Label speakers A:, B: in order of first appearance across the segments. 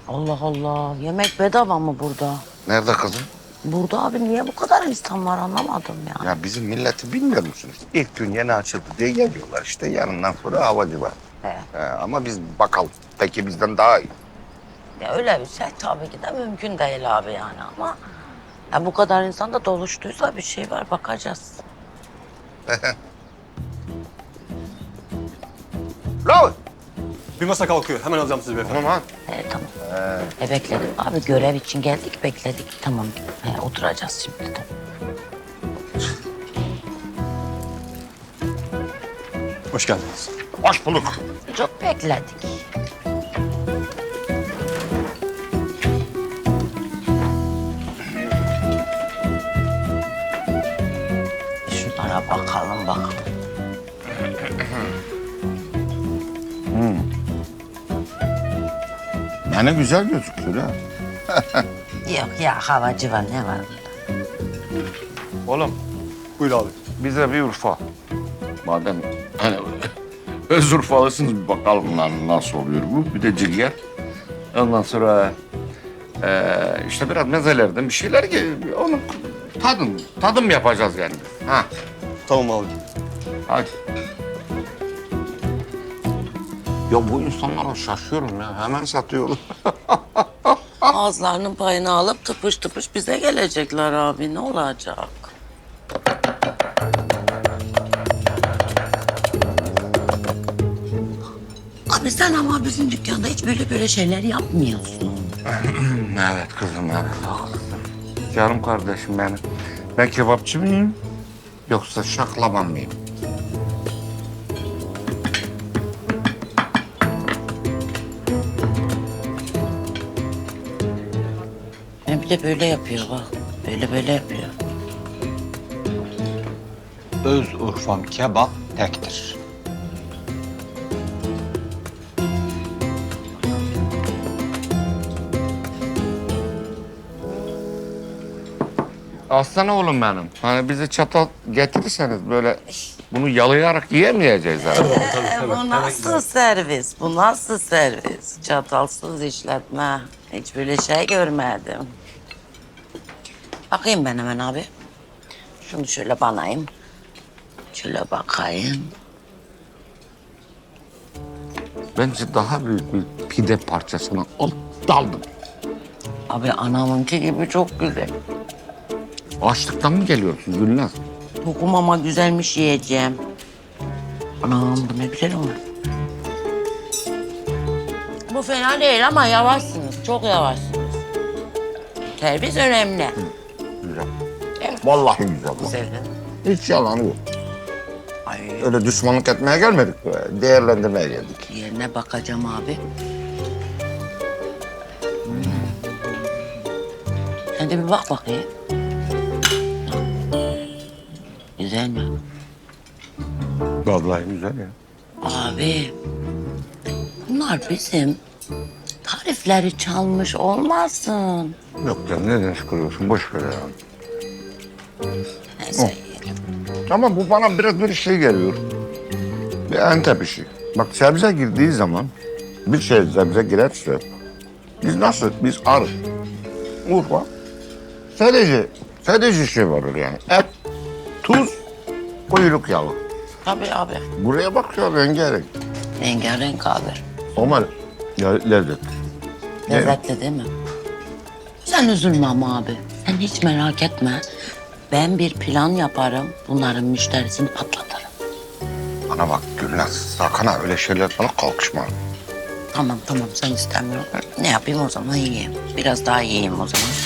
A: Allah Allah. Yemek bedava mı burada?
B: Nerede kızım?
A: Burada abi niye bu kadar insan var anlamadım ya.
B: Ya bizim milleti bilmiyor musunuz? İlk gün yeni açıldı diye geliyorlar işte. Yarından sonra havacı var. Ama biz bakalım. Peki bizden daha iyi.
A: Ya öyle bir şey tabii ki de mümkün değil abi yani ama... Ya bu kadar insan da doluştuysa bir şey var bakacağız.
B: Bravo.
C: Bir masa kalkıyor. Hemen alacağım sizi beyefendi.
B: Tamam ha.
A: Tamam. Bekledim. Abi görev için geldik bekledik. Tamam. Oturacağız şimdi de.
C: Hoş geldiniz.
B: Hoş bulduk.
A: Çok bekledik. Şunlara bakalım bakalım.
B: Yani güzel gözüküyor ha.
A: Yok ya havacı var ne var bunda?
B: Oğlum
C: Buyur abi.
B: bize bir Urfa. Madem hani öz Urfalısınız bir bakalım lan nasıl oluyor bu. Bir de cilger. Ondan sonra işte biraz mezelerden bir şeyler onu tadım yapacağız yani. Ha
C: Tamam abi.
B: hadi. Ya bu insanlara şaşıyorum ya. Hemen satıyorum.
A: Ağızlarının payını alıp tıpış tıpış bize gelecekler abi. Ne olacak? Abi sen ama bizim dükkanda hiç böyle şeyler yapmıyorsun.
B: Evet kızım evet haklısın. Canım kardeşim benim. Ben kebapçı mıyım? Yoksa şaklaban mıyım?
A: Bir de böyle yapıyor bak. Böyle yapıyor.
D: Öz Urfam kebap tektir.
B: Aslan oğlum benim. Hani bize çatal getirirseniz böyle bunu yalayarak yiyemeyeceğiz herhalde.
A: Bu nasıl servis? Bu nasıl servis? Çatalsız işletme. Hiç böyle şey görmedim. Bakayım ben hemen abi. Şunu şöyle banayım. Şöyle bakayım.
B: Bence daha büyük bir pide parçasına daldım.
A: Abi anamınki gibi çok güzel.
B: Açlıktan mı geliyorsun Gülnaz?
A: Tokum ama güzelmiş yiyeceğim. Anam bu ne güzel olmuş. Bu fena değil ama yavaşsınız. Çok yavaşsınız. Servis önemli.
B: Güzel. Vallahi güzel.
A: Güzel.
B: Hiç yalanı yok.
A: Ay
B: Öyle düşmanlık etmeye gelmedik. Değerlendirmeye geldik.
A: yerine bakacağım abi. Sen de bir bak bakayım. Güzel mi?
B: Vallahi güzel ya.
A: Abi, bunlar bizim tarifleri çalmış olmasın.
B: Yok canım neden sıkılıyorsun? Boş ver ya.
A: Neyse yiyelim.
B: Ama bu bana biraz bir şey geliyor. Bir Antep işi. Bak sebze girdiği zaman bir şey sebze girerse biz nasıl? Biz arı. Urfa. Sadece şey varır yani. Et, tuz, kuyruk yağı.
A: Tabii abi.
B: Buraya bak ya rengarenk.
A: Rengarenk abi.
B: Ama ya, lezzet.
A: Lezzetli değil mi? Sen üzülme ama abi. Sen hiç merak etme. Ben bir plan yaparım. Bunların müşterisini patlatırım.
B: Bana bak Gülnaz, sakın ha öyle şeyler bana kalkışma.
A: Tamam sen istemiyorsun. Ne yapayım o zaman yiyeyim. Biraz daha yiyeyim o zaman.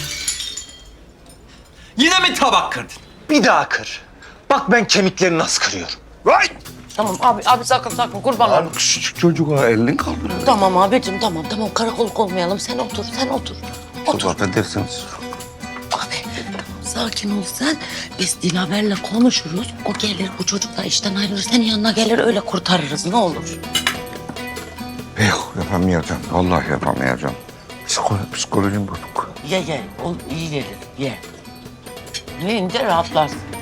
D: Yine mi tabak kırdın? Bir daha kır. Bak ben kemiklerini nasıl kırıyorum.
B: Vay!
A: Tamam abi sakın kurban olayım.
B: Lan küçücük çocuğa elini kaldırıyor.
A: Tamam abicim tamam karakolluk olmayalım. Sen otur. Otur.
B: Çok affedersiniz.
A: Abi sakin ol sen. Biz Dilaver'le konuşuruz. O gelir bu çocuk da işten ayrılır. Senin yanına gelir öyle kurtarırız ne olur.
B: Yok yapamayacağım. Vallahi yapamayacağım. Psikolojim bozuk.
A: Ye. O iyi gelir ye. Yiyince rahatlarsın.